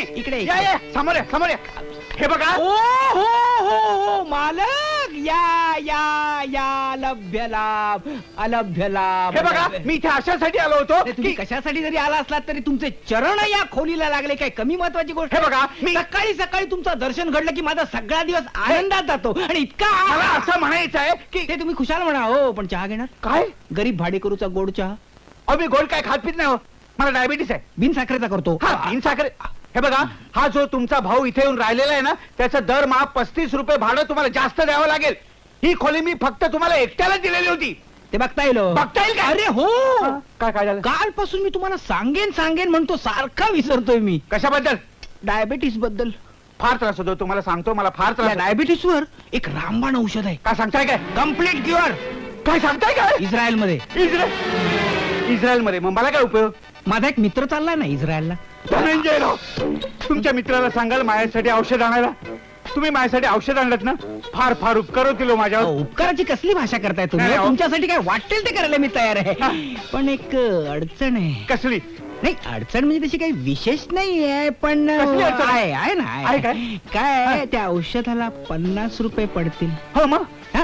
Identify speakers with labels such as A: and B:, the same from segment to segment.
A: इकडे
B: या या समोर या समोर या. हे बघा.
A: ओ हो हो हो मालक या या या लभ्य लाभ अलभ्य लाभ.
B: हे बघा मी इथे अशासाठी आलो होतो
A: तुम्ही कशासाठी जरी आला असलात तरी तुमचे चरण या खोलीला लागले काय कमी महत्वाची गोष्ट.
B: हे बघा मी
A: सकाळी सकाळी तुमचं दर्शन घडलं की माझा सगळा दिवस आनंदात जातो आणि इतका
B: मला असं म्हणायचं आहे की
A: ते तुम्ही खुशाल म्हणा हो पण चहा घेणार
B: काय
A: गरीब भाडेकरूचा गोड चहा.
B: अहो मी गोड काय खात पित नाही हो. मला डायबिटीस आहे.
A: बिन साखरेचा करतो.
B: हा बिन साखर. हे बघा हा जो तुमचा भाऊ इथे येऊन राहिलेला आहे ना त्याचं दरमहा 35 रुपये भाडं तुम्हाला जास्त द्यावं लागेल. ही खोली मी फक्त तुम्हाला एकट्याला दिलेली होती.
A: ते बघता येईल.
B: बघता येईल का?
A: अरे हो
B: काय काय झालं.
A: कालपासून मी तुम्हाला सांगेन सांगेन म्हणतो सारखा विसरतोय मी.
B: कशाबद्दल.
A: डायबिटीस बद्दल.
B: फार त्रास होतो तुम्हाला सांगतो. मला फार त्रास.
A: डायबिटीस वर एक रामबाण औषध आहे.
B: काय सांगताय काय.
A: Complete cure.
B: काय सांगताय काय.
A: इस्रायल मध्ये.
B: इस्रायल मध्ये. मग मला काय उपयोग.
A: माझा एक मित्र चाललाय ना इस्रायलला.
B: धनंजयराव तुमच्या मित्राला सांगाल माझ्यासाठी औषध आणायला. तुम्ही माझ्यासाठी औषध आणलं ना फार फार उपकार होतील माझ्यावर.
A: उपकाराची कसली भाषा करताय तुम्ही.
B: नाही,
A: तुमच्यासाठी काय वाटेल ते करायला मी तयार आहे. पण एक अडचण आहे.
B: कसली.
A: नाही अडचण म्हणजे तशी काही विशेष नाही आहे पण
B: कसली अडचण आहे?
A: आहे ना
B: आहे काय?
A: काय त्या औषधाला 50 रुपये पडतील.
B: हो मग.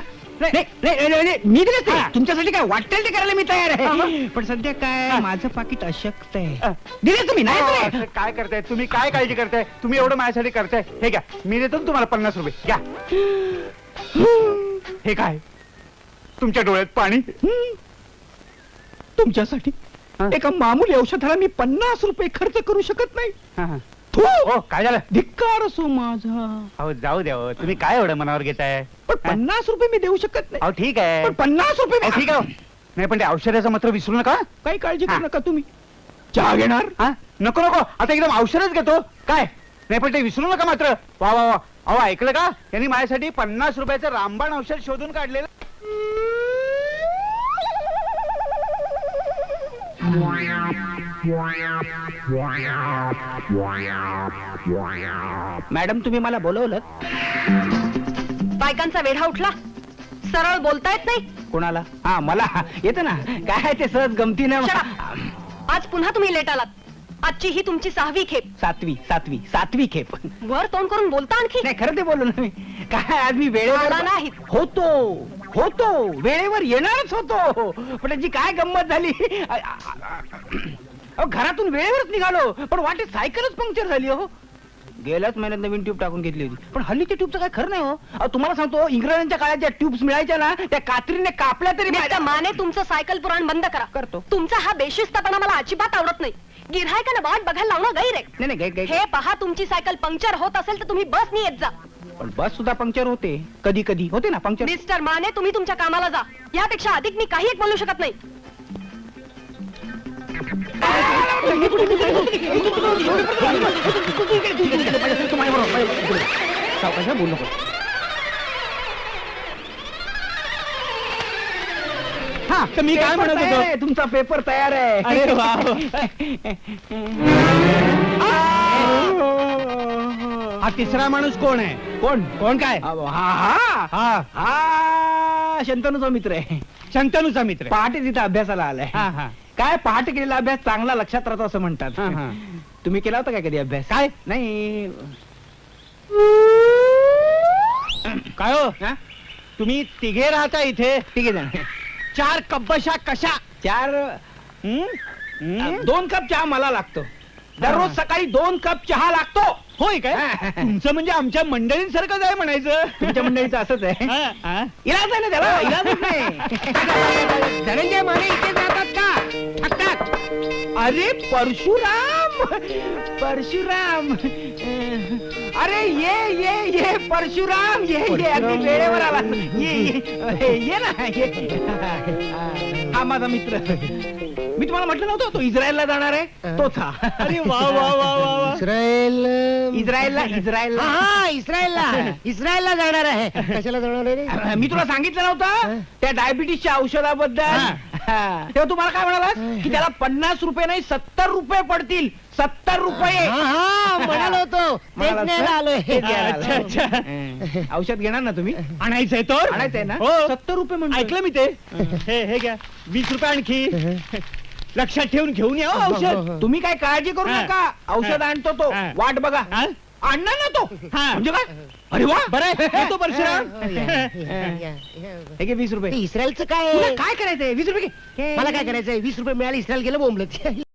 A: मी दिले ते. तुमच्यासाठी काय वाटेल ते करायला मी तयार
B: हा,
A: आहे.
B: मग?
A: पण सध्या काय माझं पाकिट अशक्त आहे. दिले तुम्ही नाही दिले?
B: असं काय करताय तुम्ही. काय काळजी करताय तुम्ही. एवढं माझ्यासाठी करताय. हे घ्या मी देतो ना तुम्हाला 50 रुपये घ्या. हे काय तुमच्या डोळ्यात पाणी.
A: तुमच्यासाठी एका मामूली औषधाला मी 50 रुपये खर्च करू शकत नाही.
B: हो काय झालं.
A: धिक्कार असो माझा.
B: अहो जाऊ द्या हो. तुम्ही काय एवढं मनावर घेताय.
A: पण 50 रुपये मी देऊ शकत नाही.
B: अहो ठीक आहे.
A: पण 50 रुपये
B: अहो, ठीक आहे. नाही पण ते औषधाचं मात्र विसरू नका.
A: काही काळजी करू नका तुम्ही. चहा घेणार.
B: हा नको नको आता एकदम औषधच घेतो. काय नाही पण ते विसरू नका मात्र. वा वा वा. अहो ऐकलं का यांनी माझ्यासाठी 50 रुपयाचं रामबाण औषध शोधून काढलेलं.
A: मॅडम तुम्ही मला बोलवलं.
C: बायकांचा वेढा उठला. सरळ बोलता येत नाही.
A: कोणाला. हा मला येतं ना. काय ते सहज गमतीने.
C: आज पुन्हा तुम्ही लेट आलात. आजची ही तुमची 6वी खेप.
A: सातवी खेप.
C: वर तोंड करून बोलता आणखी.
A: नाही खरं ते बोललो ना मी. काय आज मी वेळेवर
C: आला नाहीत.
A: होतो वेळेवर येणारच होतो. पण त्याची काय गंमत झाली. घरातून वेळेवरच निघालो पण वाटेत सायकलच पंक्चर झाली हो. गेल्याच महिन्यात नवीन ट्यूब टाकून घेतली होती. पण हल्लीच्या ट्यूबचं काय खरं नाही हो. तुम्हाला सांगतो इंग्रजांच्या काळात ज्या ट्यूब्स मिळायच्या ना त्या कात्रीने कापल्या तरी
C: मिस्टर माने तुमचं सायकल पुराण बंद करा.
A: करतो.
C: तुमचा हा बेशिस्तपणा मला अजिबात आवडत नाही. गिऱ्हाईकांना वाट बघायला लावणं गैर आहे.
A: नाही
C: हे पहा तुमची सायकल पंक्चर होत असेल तर तुम्ही बसनी येत जा.
A: पण बस सुद्धा पंक्चर होते. कधी कधी होते ना पंक्चर.
C: मिस्टर माने तुम्ही तुमच्या कामाला जा. यापेक्षा अधिक मी काही एक बोलू शकत नाही.
A: बोल नको. हा तर मी काय म्हणत होतो. तुमचा पेपर तयार आहे.
B: अरे वा.
A: हा तिसरा माणूस कोण आहे. कोण काय. हा शंतनूचा मित्र आहे.
B: शंतनूचा मित्र.
A: पहाटे तिथे अभ्यासाला आलाय. काय पहाटे केलेला अभ्यास चांगला लक्षात राहतो असं म्हणतात. तुम्ही केला होता काय कधी अभ्यास. काय नाही.
B: काय हो तुम्ही तिघे राहता इथे.
A: तिघे जण.
B: 4 कब्बशा कशा.
A: 2 कप चहा मला लागतो. दररोज सकाळी 2 कप चहा लागतो.
B: होय काय. तुमचं म्हणजे आमच्या मंडळींसारखंच आहे म्हणायचं.
A: तुमच्या मंडळीचं असंच आहे. इलाज आहे ना त्याला. इलाजच नाही. धनंजय माने इथे जातात का थकतात. अरे परशुराम अरे ये परशुराम ये अगदी वेळेवर आला. ये ना. हा माझा मित्र. मी तुम्हाला म्हटलं नव्हतं तो इस्रायलला जाणार आहे. तोच हा.
B: अरे वा वा वा वा.
A: इस्रायलला जाणार आहे.
D: कशाला जाणार आहे.
A: मी तुला सांगितलं नव्हतं त्या डायबिटीसच्या औषधाबद्दल. तेव्हा तुम्हाला काय म्हणाला की त्याला 50 रुपये नाही 70 रुपये पडतील. 70 रुपये
D: म्हणालो होतो.
A: औषध घेणार ना तुम्ही.
B: आणायचंय तर.
A: आणायचंय ना.
B: हो.
A: 70 रुपये म्हणतो.
B: ऐकलं मी ते. हे घ्या 20 रुपये आणखी.
A: लक्षात ठेवून घेऊन या हो औषध. तुम्ही काय काळजी करू
D: हा.
A: नका, औषध आणतो तो.
D: हा.
A: वाट बघा.
D: हा?
A: आणणार ना तो.
D: हा.
A: म्हणजे काय? अरे वा, बरं आहे. येतो परशुराम.
D: ते
A: हे घे 20 रुपये.
D: इस्रायलचं
A: तुला
D: काय
A: काय करायचंय? 20 रुपये घे.
D: मला काय करायचंय 20 रुपये मिळाले इस्रायल गेलं बोंबलत